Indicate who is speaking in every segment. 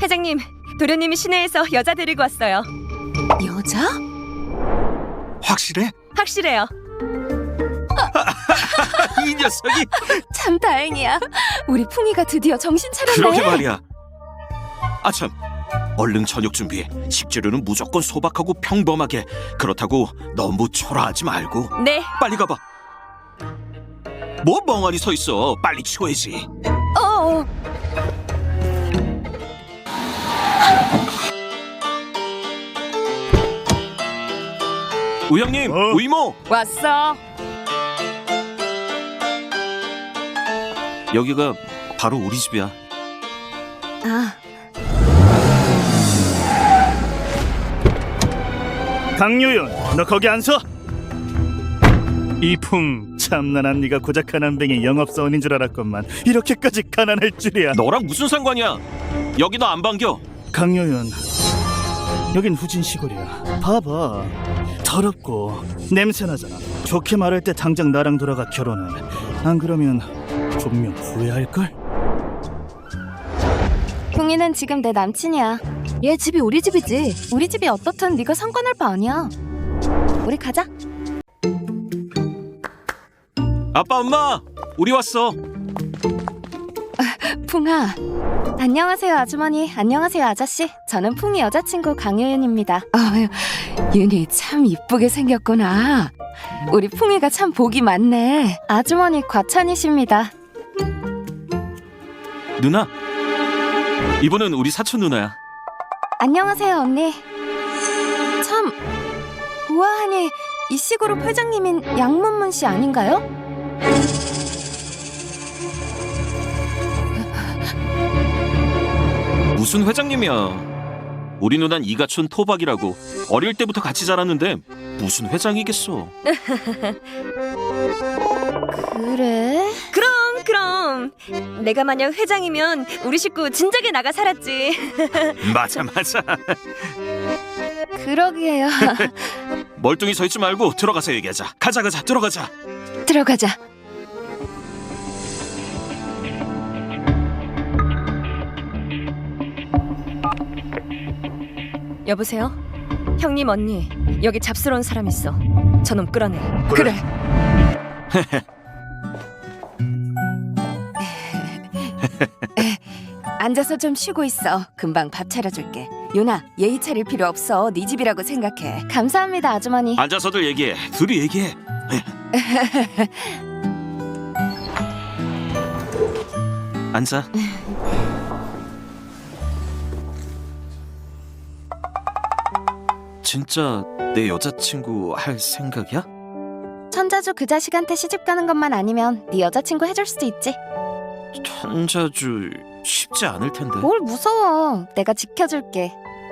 Speaker 1: 회장님, 도련님이 시내에서 여자 데리고 왔어요.
Speaker 2: 여자?
Speaker 3: 확실해?
Speaker 1: 확실해요.
Speaker 3: 이 녀석이.
Speaker 2: 참 다행이야. 우리 풍이가 드디어 정신 차렸네.
Speaker 3: 그러게 말이야. 아참, 얼른 저녁 준비해. 식재료는 무조건 소박하고 평범하게. 그렇다고 너무 초라하지 말고.
Speaker 1: 네.
Speaker 3: 빨리 가봐. 뭐 멍하니 서 있어. 빨리 치워야지.
Speaker 2: 어.
Speaker 3: 우영님, 우이모.
Speaker 2: 왔어.
Speaker 3: 여기가 바로 우리 집이야.
Speaker 2: 아,
Speaker 4: 강유윤, 너 거기 안 서? 이풍, 참난한 네가 고작 가난뱅이 영업사원인 줄 알았건만 이렇게까지 가난할 줄이야.
Speaker 3: 너랑 무슨 상관이야? 여기 너 안 반겨.
Speaker 4: 강유윤, 여긴 후진 시골이야. 봐봐, 더럽고 냄새나잖아. 좋게 말할 때 당장 나랑 돌아가 결혼해. 안 그러면 분명 후회할걸?
Speaker 2: 풍이는 지금 내 남친이야. 얘 집이 우리 집이지. 우리 집이 어떻든 네가 상관할 바 아니야. 우리 가자.
Speaker 3: 아빠, 엄마, 우리 왔어.
Speaker 2: 풍아. 안녕하세요 아주머니. 안녕하세요 아저씨. 저는 풍이 여자친구 강유윤입니다. 윤이 참 이쁘게 생겼구나. 우리 풍이가 참 복이 많네. 아주머니 과찬이십니다.
Speaker 3: 누나, 이분은 우리 사촌 누나야.
Speaker 2: 안녕하세요 언니. 참 우아하니 이 시골 회장님인 양문문 씨 아닌가요?
Speaker 3: 무슨 회장님이야. 우리 누난 이가촌 토박이라고. 어릴 때부터 같이 자랐는데 무슨 회장이겠어.
Speaker 2: 그래?
Speaker 1: 그럼. 내가 만약 회장이면 우리 식구 진작에 나가 살았지.
Speaker 3: 맞아.
Speaker 2: 그러게요.
Speaker 3: 멀뚱히 서 있지 말고 들어가서 얘기하자. 가자, 들어가자.
Speaker 2: 들어가자.
Speaker 1: 여보세요? 형님, 언니, 여기 잡스러운 사람 있어. 저놈 끌어내.
Speaker 2: 그래. 앉아서 좀 쉬고 있어. 금방 밥 차려줄게. 윤아, 예의 차릴 필요 없어. 네 집이라고 생각해. 감사합니다, 아주머니.
Speaker 3: 앉아서들 얘기해. 둘이 얘기해. 앉아. 진짜 내 여자친구 할 생각이야?
Speaker 2: 천자주 그 자식한테 시집 가는 것만 아니면 네 여자친구 해줄 수도 있지.
Speaker 3: 천자주 쉽지 않을 텐데.
Speaker 2: 뭘 무서워. 내가 지켜줄게.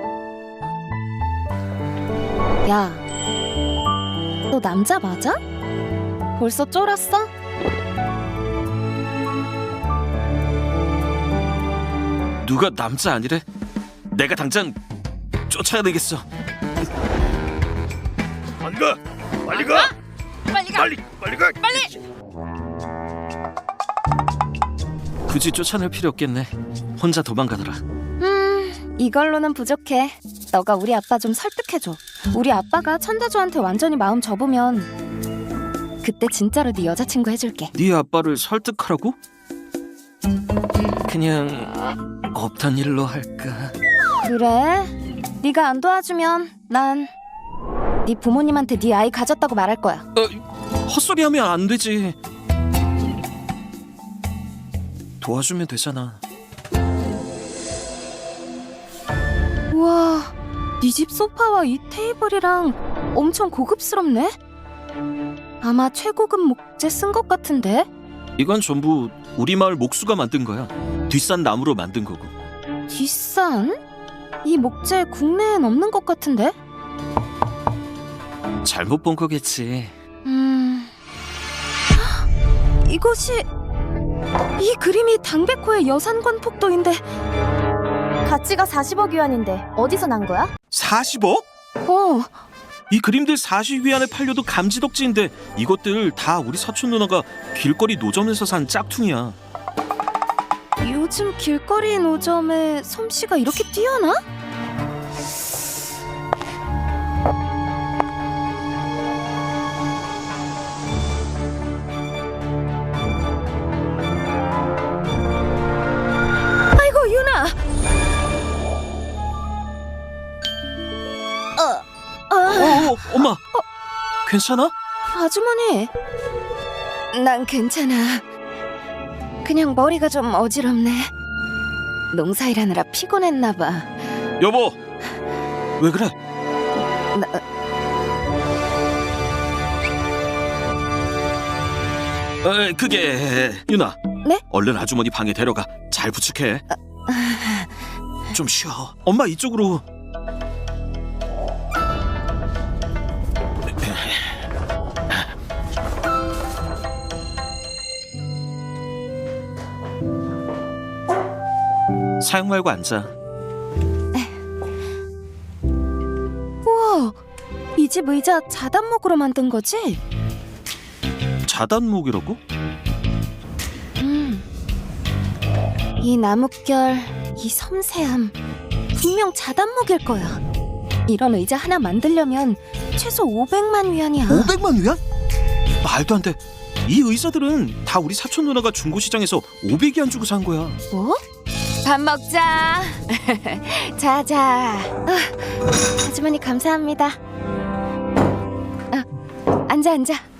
Speaker 2: 야, 너 남자 맞아? 벌써 쫄았어?
Speaker 3: 누가 남자 아니래? 내가 당장 쫓아야 되겠어.
Speaker 4: 빨리 가! 빨리 가! 빨리 가!
Speaker 3: 굳이 쫓아낼 필요 없겠네. 혼자 도망가더라.
Speaker 2: 이걸로는 부족해. 너가 우리 아빠 좀 설득해줘. 우리 아빠가 천자주한테 완전히 마음 접으면 그때 진짜로 네 여자친구 해줄게.
Speaker 3: 네 아빠를 설득하라고? 그냥 없던 일로 할까?
Speaker 2: 그래? 네가 안 도와주면 난 네 부모님한테 네 아이 가졌다고 말할 거야.
Speaker 3: 헛소리하면 안 되지. 도와주면 되잖아.
Speaker 2: 우와, 네 집 소파와 이 테이블이랑 엄청 고급스럽네? 아마 최고급 목재 쓴 것 같은데?
Speaker 3: 이건 전부 우리 마을 목수가 만든 거야. 뒷산 나무로 만든 거고.
Speaker 2: 뒷산? 이 목재 국내엔 없는 것 같은데?
Speaker 3: 잘못 본 거겠지.
Speaker 2: 이것이 이 그림이 당백호의 여산관 폭도인데 가치가 40억 위안인데 어디서 난 거야?
Speaker 3: 40억? 이 그림들 40위안에 팔려도 감지덕지인데 이것들 다 우리 사촌 누나가 길거리 노점에서 산 짝퉁이야.
Speaker 2: 요즘 길거리 노점에 솜씨가 이렇게 뛰어나? 아이고 유나.
Speaker 3: 엄마. 괜찮아?
Speaker 2: 아주머니. 난 괜찮아. 그냥 머리가 좀 어지럽네. 농사일하느라 피곤했나 봐.
Speaker 3: 여보. 왜 그래? 그게 유나.
Speaker 2: 네?
Speaker 3: 얼른 아주머니 방에 데려가. 잘 부축해. 좀 쉬어. 엄마 이쪽으로. 사용 말고 앉아.
Speaker 2: 우와, 이 집 의자 자단목으로 만든 거지?
Speaker 3: 자단목이라고?
Speaker 2: 이 나뭇결, 이 섬세함, 분명 자단목일 거야. 이런 의자 하나 만들려면 최소 500만 위안이야.
Speaker 3: 500만 위안? 말도 안 돼. 이 의자들은 다 우리 사촌 누나가 중고시장에서 500위안 주고 산 거야.
Speaker 2: 뭐? 밥 먹자. 자자. 아주머니 감사합니다. 앉아.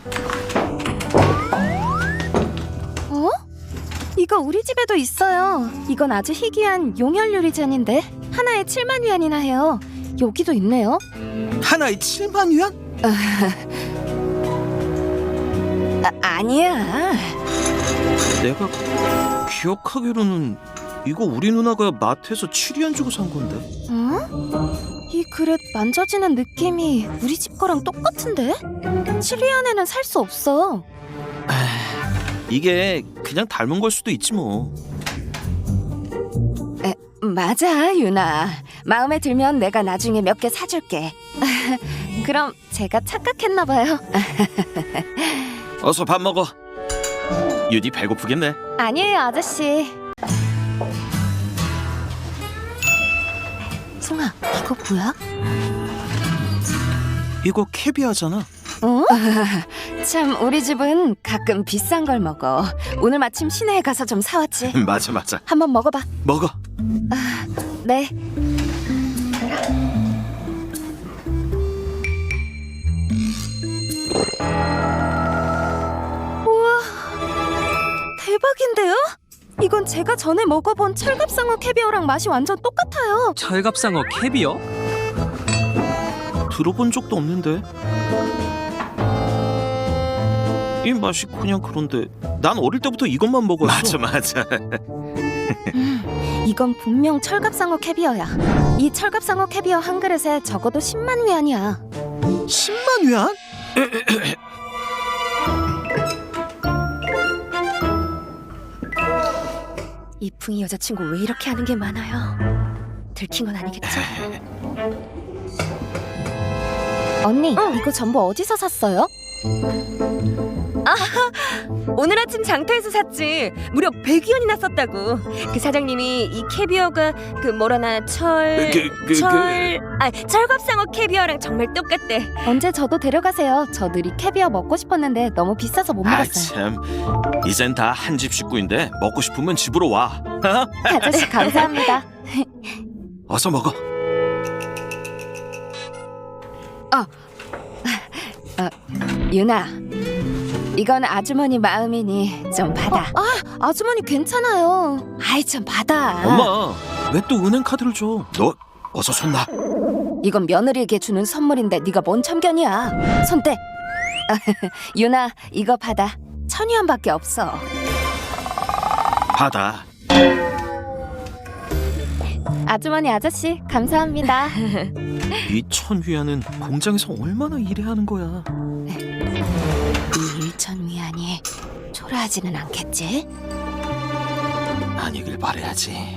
Speaker 2: 어? 이거 우리 집에도 있어요. 이건 아주 희귀한 용혈 유리잔인데 하나에 7만 위안이나 해요. 여기도 있네요.
Speaker 3: 하나에 7만 위안?
Speaker 2: 아니야.
Speaker 3: 내가 기억하기로는 이거 우리 누나가 마트에서 7위안 주고 산 건데.
Speaker 2: 어? 이 그릇 만져지는 느낌이 우리 집 거랑 똑같은데? 7위안에는 살 수 없어.
Speaker 3: 이게 그냥 닮은 걸 수도 있지 뭐.
Speaker 2: 맞아, 유나. 마음에 들면 내가 나중에 몇 개 사줄게. 그럼 제가 착각했나 봐요.
Speaker 3: 어서 밥 먹어. 유디 배고프겠네.
Speaker 2: 아니에요, 아저씨. 승아, 이거 뭐야?
Speaker 3: 이거 캐비아잖아.
Speaker 2: 어? 참, 우리 집은 가끔 비싼 걸 먹어. 오늘 마침 시내에 가서 좀 사왔지.
Speaker 3: 맞아.
Speaker 2: 한번 먹어봐.
Speaker 3: 먹어.
Speaker 2: 네. 우와, 대박인데요? 이건 제가 전에 먹어본 철갑상어 캐비어랑 맛이 완전 똑같아요.
Speaker 5: 철갑상어 캐비어?
Speaker 3: 들어본 적도 없는데. 이 맛이 그냥 그런데 난 어릴 때부터 이것만 먹었어. 맞아.
Speaker 2: 이건 분명 철갑상어 캐비어야. 이 철갑상어 캐비어 한 그릇에 적어도 10만 위안이야.
Speaker 3: 10만 위안?
Speaker 1: 이 풍이 여자친구 왜 이렇게 하는 게 많아요? 들킨 건 아니겠죠?
Speaker 2: 언니, 이거 전부 어디서 샀어요?
Speaker 1: 오늘 아침 장터에서 샀지. 무려 100위안이나 썼다고. 그 사장님이 이 캐비어가 그 뭐라나 철갑상어 캐비어랑 정말 똑같대.
Speaker 2: 언제 저도 데려가세요. 저 늘 이 캐비어 먹고 싶었는데 너무 비싸서 못 먹었어요.
Speaker 3: 참. 이젠 다 한 집 식구인데 먹고 싶으면 집으로 와.
Speaker 2: 아저씨 감사합니다.
Speaker 3: 어서 먹어.
Speaker 2: 유나, 이건 아주머니 마음이니 좀 받아. 아주머니 괜찮아요. 아이 좀 받아.
Speaker 3: 엄마, 왜 또 은행 카드를 줘? 너 어서 손 놔.
Speaker 2: 이건 며느리에게 주는 선물인데 네가 뭔 참견이야. 손 떼. 유나, 이거 받아. 1000위안밖에 없어.
Speaker 3: 받아.
Speaker 2: 아주머니 아저씨 감사합니다.
Speaker 3: 이 1000위안은 공장에서 얼마나 일해야 하는 거야.
Speaker 2: 이 1000위안이 초라하지는 않겠지?
Speaker 3: 아니길 바라야지.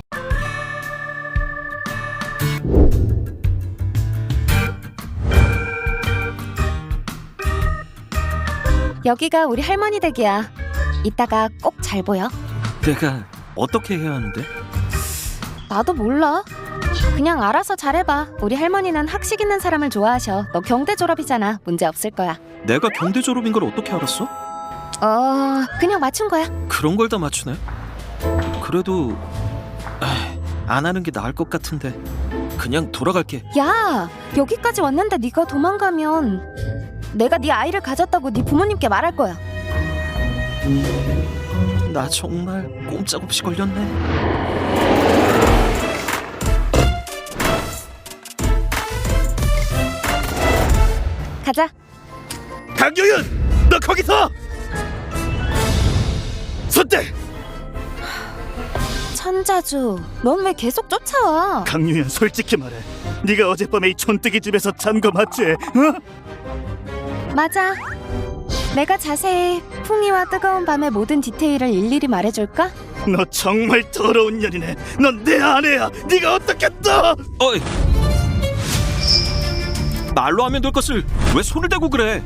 Speaker 2: 여기가 우리 할머니 댁이야. 이따가 꼭 잘 보여.
Speaker 3: 내가 어떻게 해야 하는데?
Speaker 2: 나도 몰라. 그냥 알아서 잘해봐. 우리 할머니는 학식 있는 사람을 좋아하셔. 너 경대 졸업이잖아. 문제 없을 거야.
Speaker 3: 내가 경대 졸업인 걸 어떻게 알았어?
Speaker 2: 그냥 맞춘 거야.
Speaker 3: 그런 걸 다 맞추네. 그래도 안 하는 게 나을 것 같은데. 그냥 돌아갈게.
Speaker 2: 야, 여기까지 왔는데 네가 도망가면 내가 네 아이를 가졌다고 네 부모님께 말할 거야.
Speaker 3: 나 정말 꼼짝없이 걸렸네.
Speaker 2: 가자.
Speaker 4: 강유윤, 너 거기서! 손대!
Speaker 2: 천자주, 넌 왜 계속 쫓아와?
Speaker 4: 강유윤, 솔직히 말해. 네가 어젯밤에 이 촌뜨기 집에서 잔 거 맞지? 어?
Speaker 2: 맞아. 내가 자세히 풍이와 뜨거운 밤의 모든 디테일을 일일이 말해줄까?
Speaker 4: 너 정말 더러운 년이네. 넌 내 아내야. 네가 어떻게 또?
Speaker 3: 어이. 말로 하면 될 것을 왜 손을 대고 그래?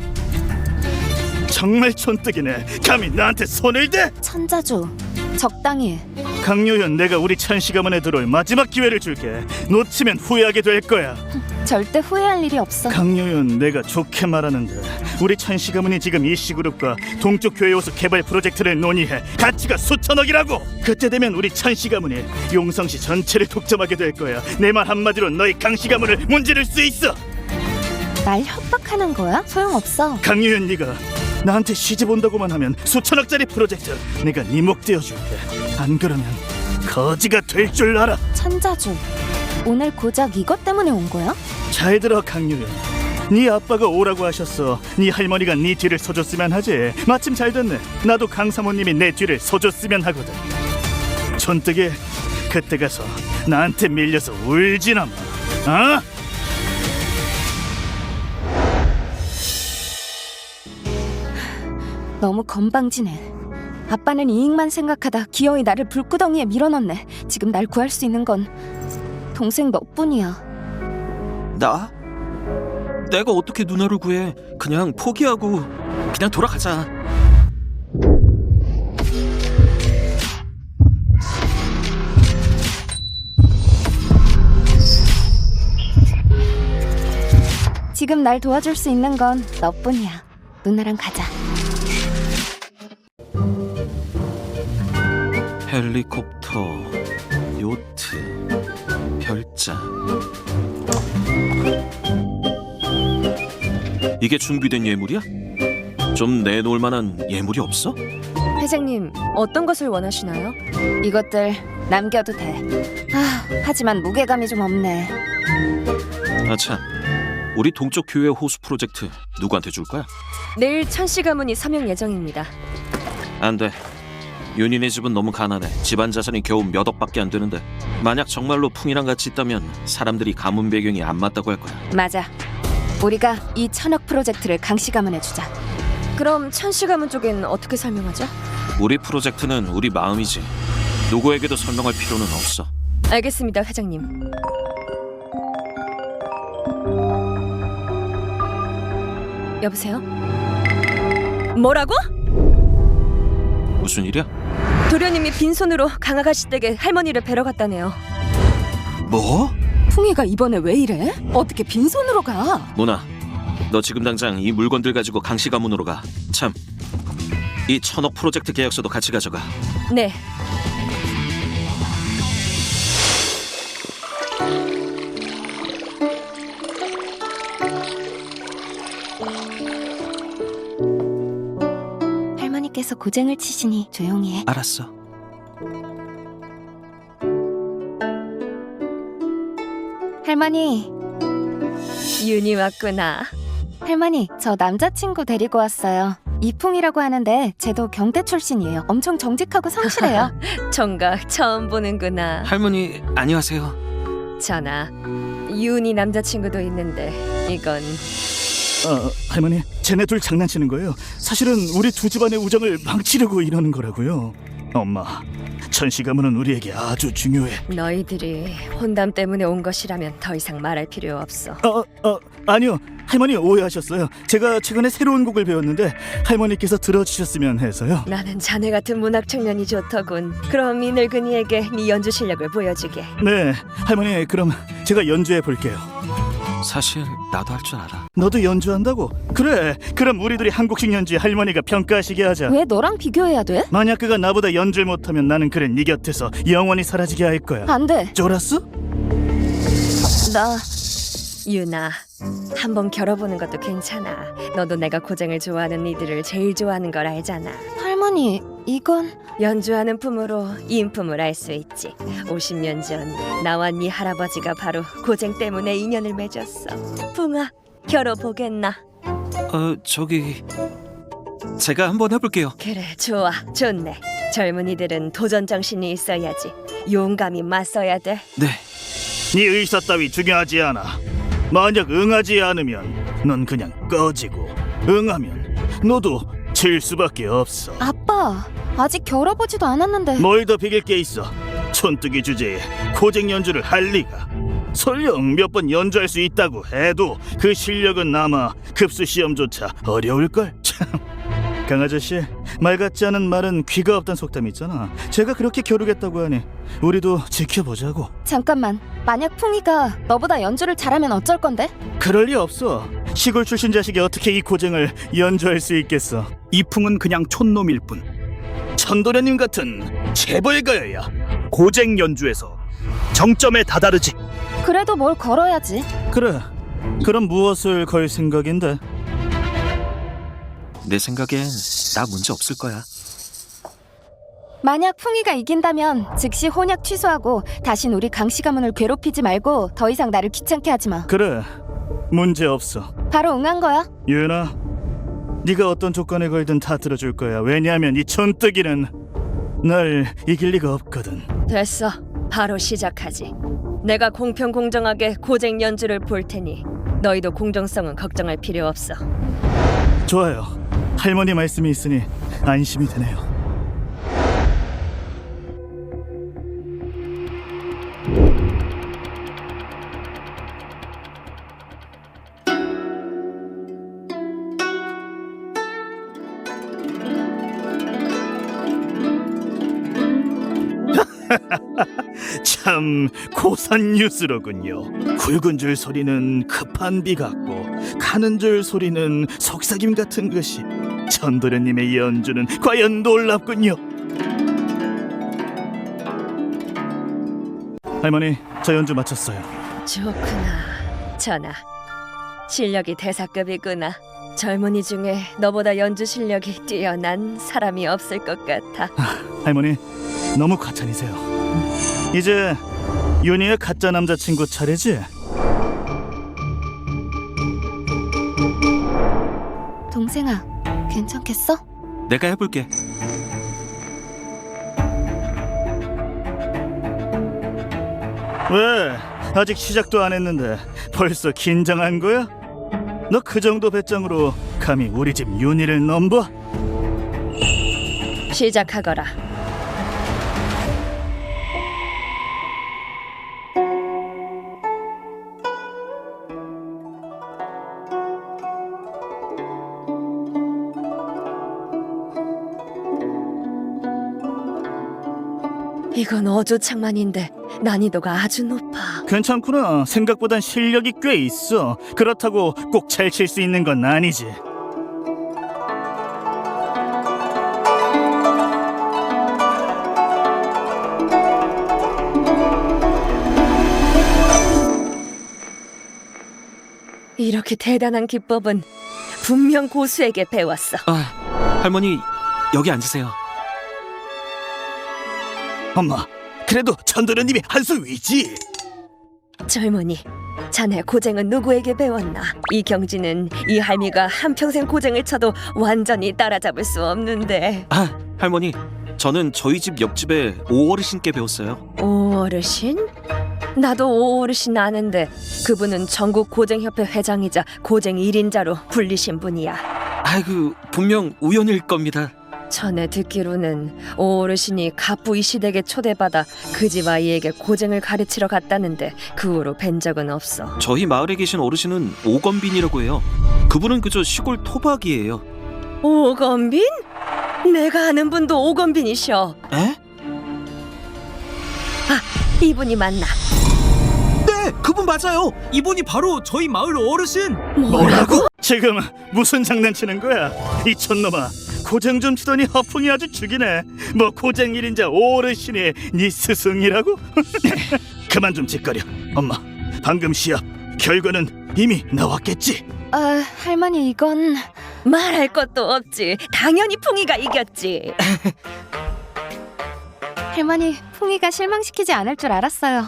Speaker 4: 정말 촌뜨기네. 감히 나한테 손을 대?
Speaker 2: 천자주, 적당히 해.
Speaker 4: 강유현, 내가 우리 찬씨 가문에 들어올 마지막 기회를 줄게. 놓치면 후회하게 될 거야.
Speaker 2: 절대 후회할 일이 없어.
Speaker 4: 강유현, 내가 좋게 말하는데 우리 찬씨 가문이 지금 이씨그룹과 동쪽 교회 호수 개발 프로젝트를 논의해. 가치가 수천억이라고. 그때 되면 우리 찬씨 가문이 용성시 전체를 독점하게 될 거야. 내 말 한마디로 너희 강씨 가문을 문지를 수 있어.
Speaker 2: 날 협박하는 거야? 소용없어.
Speaker 4: 강유현, 네가 나한테 시집 온다고만 하면 수천억짜리 프로젝트 내가 네 목 떼어줄게. 안 그러면 거지가 될 줄 알아.
Speaker 2: 천자주, 오늘 고작 이것 때문에 온 거야?
Speaker 4: 잘 들어 강유현. 네 아빠가 오라고 하셨어. 네 할머니가 네 뒤를 서줬으면 하지. 마침 잘 됐네. 나도 강 사모님이 내 뒤를 서줬으면 하거든. 촌뜨기, 그때 가서 나한테 밀려서 울지나 마. 어?
Speaker 2: 너무 건방지네. 아빠는 이익만 생각하다 기어이 나를 불구덩이에 밀어넣네. 지금 날 구할 수 있는 건 동생 너뿐이야.
Speaker 3: 나? 내가 어떻게 누나를 구해? 그냥 포기하고 그냥 돌아가자.
Speaker 2: 지금 날 도와줄 수 있는 건 너뿐이야. 누나랑 가자.
Speaker 3: 헬리콥터, 요트, 별장. 이게 준비된 예물이야? 좀 내놓을 만한 예물이 없어?
Speaker 1: 회장님, 어떤 것을 원하시나요?
Speaker 2: 이것들 남겨도 돼. 하지만 무게감이 좀 없네.
Speaker 3: 아참, 우리 동쪽 교회 호수 프로젝트 누구한테 줄 거야?
Speaker 1: 내일 천씨 가문이 서명 예정입니다.
Speaker 3: 안 돼. 윤희네 집은 너무 가난해. 집안 자산이 겨우 몇 억밖에 안 되는데 만약 정말로 풍이랑 같이 있다면 사람들이 가문 배경이 안 맞다고 할 거야.
Speaker 2: 맞아. 우리가 이 1000억 프로젝트를 강씨 가문에 주자.
Speaker 1: 그럼 천씨 가문 쪽엔 어떻게 설명하죠?
Speaker 3: 우리 프로젝트는 우리 마음이지. 누구에게도 설명할 필요는 없어.
Speaker 1: 알겠습니다, 회장님. 여보세요? 뭐라고?
Speaker 3: 무슨 일이야?
Speaker 1: 도련님이 빈손으로 강아가씨 댁에 할머니를 뵈러 갔다네요.
Speaker 3: 뭐?
Speaker 2: 풍이가 이번에 왜 이래? 어떻게 빈손으로 가?
Speaker 3: 모나, 너 지금 당장 이 물건들 가지고 강씨 가문으로 가. 참, 이 1000억 프로젝트 계약서도 같이 가져가.
Speaker 1: 네.
Speaker 2: 할머니께서 고쟁을 치시니 조용히 해.
Speaker 3: 알았어.
Speaker 2: 할머니,
Speaker 1: 윤이 왔구나.
Speaker 2: 할머니, 저 남자친구 데리고 왔어요. 이풍이라고 하는데 쟤도 경대 출신이에요. 엄청 정직하고 성실해요.
Speaker 1: 정각 처음 보는구나.
Speaker 3: 할머니, 안녕하세요.
Speaker 1: 전하, 윤이 남자친구도 있는데 이건
Speaker 4: 할머니, 쟤네 둘 장난치는 거예요. 사실은 우리 두 집안의 우정을 망치려고 이러는 거라고요. 엄마, 천시 가문은 우리에게 아주 중요해.
Speaker 1: 너희들이 혼담 때문에 온 것이라면 더 이상 말할 필요 없어.
Speaker 4: 아니요. 할머니 오해하셨어요. 제가 최근에 새로운 곡을 배웠는데 할머니께서 들어주셨으면 해서요.
Speaker 1: 나는 자네 같은 문학 청년이 좋더군. 그럼 이 늙은이에게 네 연주 실력을 보여주게.
Speaker 4: 네, 할머니 그럼 제가 연주해 볼게요.
Speaker 3: 사실 나도 할 줄 알아.
Speaker 4: 너도 연주한다고? 그래. 그럼 우리 둘이 한 곡씩 연주해 할머니가 평가하시게 하자.
Speaker 2: 왜 너랑 비교해야 돼?
Speaker 4: 만약 그가 나보다 연주를 못하면 나는 그래 네 곁에서 영원히 사라지게 할 거야.
Speaker 2: 안 돼.
Speaker 4: 쫄았어?
Speaker 2: 나
Speaker 1: 유나, 한번 겨뤄보는 것도 괜찮아. 너도 내가 고쟁을 좋아하는 이들을 제일 좋아하는 걸 알잖아.
Speaker 2: 할머니, 이건
Speaker 1: 연주하는 품으로 인품을 알 수 있지. 50년 전 나와 네 할아버지가 바로 고쟁 때문에 인연을 맺었어. 풍아, 겨뤄보겠나?
Speaker 3: 저기 제가 한번 해볼게요.
Speaker 1: 그래, 좋아, 좋네. 젊은이들은 도전 정신이 있어야지. 용감히 맞서야 돼.
Speaker 3: 네.
Speaker 4: 네 의사 따위 중요하지 않아. 만약 응하지 않으면 넌 그냥 꺼지고 응하면 너도 질 수밖에 없어.
Speaker 2: 아빠, 아직 겨뤄보지도 않았는데.
Speaker 4: 뭘 더 비길 게 있어. 촌뜨기 주제에 고쟁 연주를 할 리가. 설령 몇 번 연주할 수 있다고 해도 그 실력은 아마 급수 시험조차 어려울걸. 참. 강아저씨, 말 같지 않은 말은 귀가 없단 속담이 있잖아. 제가 그렇게 겨루겠다고 하니 우리도 지켜보자고.
Speaker 2: 잠깐만, 만약 풍이가 너보다 연주를 잘하면 어쩔 건데?
Speaker 4: 그럴 리 없어. 시골 출신 자식이 어떻게 이 고쟁을 연주할 수 있겠어. 이풍은 그냥 촌놈일 뿐. 천도련님 같은 재벌가여야 고쟁 연주에서 정점에 다다르지.
Speaker 2: 그래도 뭘 걸어야지.
Speaker 4: 그래. 그럼 무엇을 걸 생각인데?
Speaker 3: 내 생각엔 나 문제 없을 거야.
Speaker 2: 만약 풍이가 이긴다면 즉시 혼약 취소하고 다신 우리 강씨 가문을 괴롭히지 말고 더 이상 나를 귀찮게 하지 마.
Speaker 4: 그래. 문제 없어.
Speaker 2: 바로 응한 거야.
Speaker 4: 유연아, 네가 어떤 조건에 걸든 다 들어줄 거야. 왜냐하면 이 촌뜨기는 날 이길 리가 없거든.
Speaker 1: 됐어, 바로 시작하지. 내가 공평 공정하게 고쟁 연주를 볼 테니 너희도 공정성은 걱정할 필요 없어.
Speaker 4: 좋아요. 할머니 말씀이 있으니 안심이 되네요. 참 고산 뉴스로군요. 굵은 줄 소리는 급한 비 같고 가는 줄 소리는 속삭임 같은 것이. 천도련님의 연주는 과연 놀랍군요. 할머니, 저 연주 마쳤어요.
Speaker 1: 좋구나, 전하. 실력이 대사급이구나. 젊은이 중에 너보다 연주 실력이 뛰어난 사람이 없을 것 같아.
Speaker 4: 할머니, 너무 과찬이세요. 이제 윤희의 가짜 남자친구 차례지?
Speaker 2: 동생아, 괜찮겠어?
Speaker 3: 내가 해볼게.
Speaker 4: 왜? 아직 시작도 안 했는데 벌써 긴장한 거야? 너 그 정도 배짱으로 감히 우리 집 윤희를 넘봐?
Speaker 1: 시작하거라. 이건 어조창만인데 난이도가 아주 높아.
Speaker 4: 괜찮구나. 생각보단 실력이 꽤 있어. 그렇다고 꼭 잘 칠 수 있는 건 아니지.
Speaker 1: 이렇게 대단한 기법은 분명 고수에게 배웠어.
Speaker 3: 할머니 여기 앉으세요.
Speaker 4: 엄마, 그래도 천도련님이 한 수 위지.
Speaker 1: 젊은이, 자네 고쟁은 누구에게 배웠나? 이 경지는 이 할미가 한평생 고쟁을 쳐도 완전히 따라잡을 수 없는데.
Speaker 3: 할머니 저는 저희 집 옆집에 오어르신께 배웠어요.
Speaker 1: 오어르신? 나도 오어르신 아는데 그분은 전국 고쟁협회 회장이자 고쟁 1인자로 불리신 분이야.
Speaker 3: 아이고 분명 우연일 겁니다.
Speaker 1: 전에 듣기로는 오 어르신이 갑부 이 댁에 초대받아 그 집 아이에게 고쟁을 가르치러 갔다는데 그 후로 뵌 적은 없어.
Speaker 3: 저희 마을에 계신 어르신은 오건빈이라고 해요. 그분은 그저 시골 토박이에요.
Speaker 1: 오건빈? 내가 아는 분도 오건빈이셔.
Speaker 3: 에?
Speaker 1: 이분이 맞나?
Speaker 3: 네, 그분 맞아요.
Speaker 5: 이분이 바로 저희 마을 어르신.
Speaker 1: 뭐라고?
Speaker 4: 지금 무슨 장난치는 거야? 이 촌놈아, 고쟁 좀 치더니 허풍이 아주 죽이네. 뭐 고쟁 1인자 어르신이 네 스승이라고? 그만 좀 짓거려. 엄마, 방금 시합 결과는 이미 나왔겠지?
Speaker 2: 아, 할머니 이건
Speaker 1: 말할 것도 없지. 당연히 풍이가 이겼지.
Speaker 2: 할머니 풍이가 실망시키지 않을 줄 알았어요.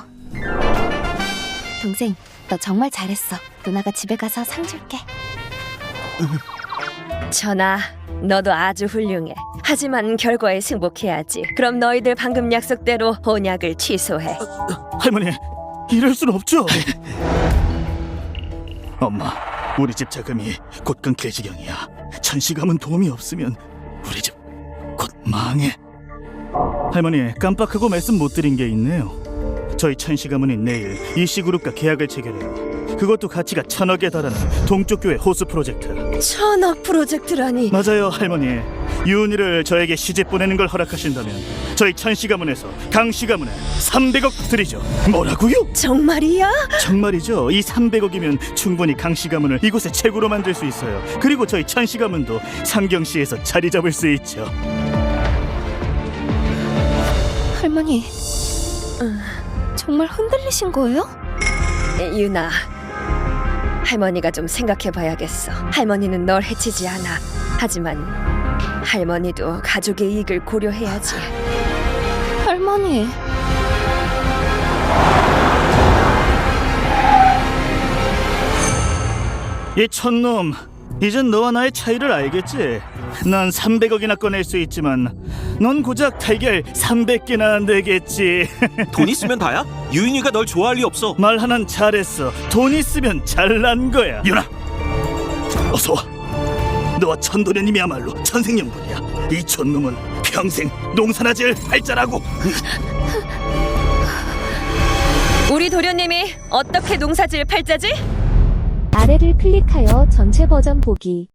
Speaker 2: 동생, 너 정말 잘했어. 누나가 집에 가서 상 줄게.
Speaker 1: 전하, 너도 아주 훌륭해. 하지만 결과에 승복해야지. 그럼 너희들 방금 약속대로 혼약을 취소해.
Speaker 4: 할머니, 이럴 순 없죠. 엄마, 우리 집 자금이 곧 끊길 지경이야. 천시감은 도움이 없으면 우리 집 곧 망해. 할머니, 깜빡하고 말씀 못 드린 게 있네요. 저희 천시가문이 내일 이씨그룹과 계약을 체결해요. 그것도 가치가 1,000억에 달하는 동쪽 교회 호수 프로젝트.
Speaker 1: 1,000억 프로젝트라니.
Speaker 4: 맞아요, 할머니. 유은이를 저에게 시집 보내는 걸 허락하신다면 저희 천시가문에서 강시가문에 300억 드리죠. 뭐라고요?
Speaker 1: 정말이야?
Speaker 4: 정말이죠. 이 300억이면 충분히 강시가문을 이곳에 최고로 만들 수 있어요. 그리고 저희 천시가문도 상경시에서 자리 잡을 수 있죠.
Speaker 2: 할머니, 정말 흔들리신 거예요?
Speaker 1: 유나, 할머니가 좀 생각해봐야겠어. 할머니는 널 해치지 않아. 하지만 할머니도 가족의 이익을 고려해야지.
Speaker 2: 할머니,
Speaker 4: 이 촌놈, 이젠 너와 나의 차이를 알겠지? 난 300억이나 꺼낼 수 있지만 넌 고작 달걀 300개나 내겠지.
Speaker 3: 돈 있으면 다야? 유인이가 널 좋아할 리 없어.
Speaker 4: 말 하나는 잘했어. 돈 있으면 잘난 거야. 유나, 어서 와. 너와 천도련님이야말로 천생연분이야. 이 촌놈은 평생 농사나 지을 팔자라고.
Speaker 1: 우리 도련님이 어떻게 농사질 팔자지?
Speaker 6: 아래를 클릭하여 전체 버전 보기.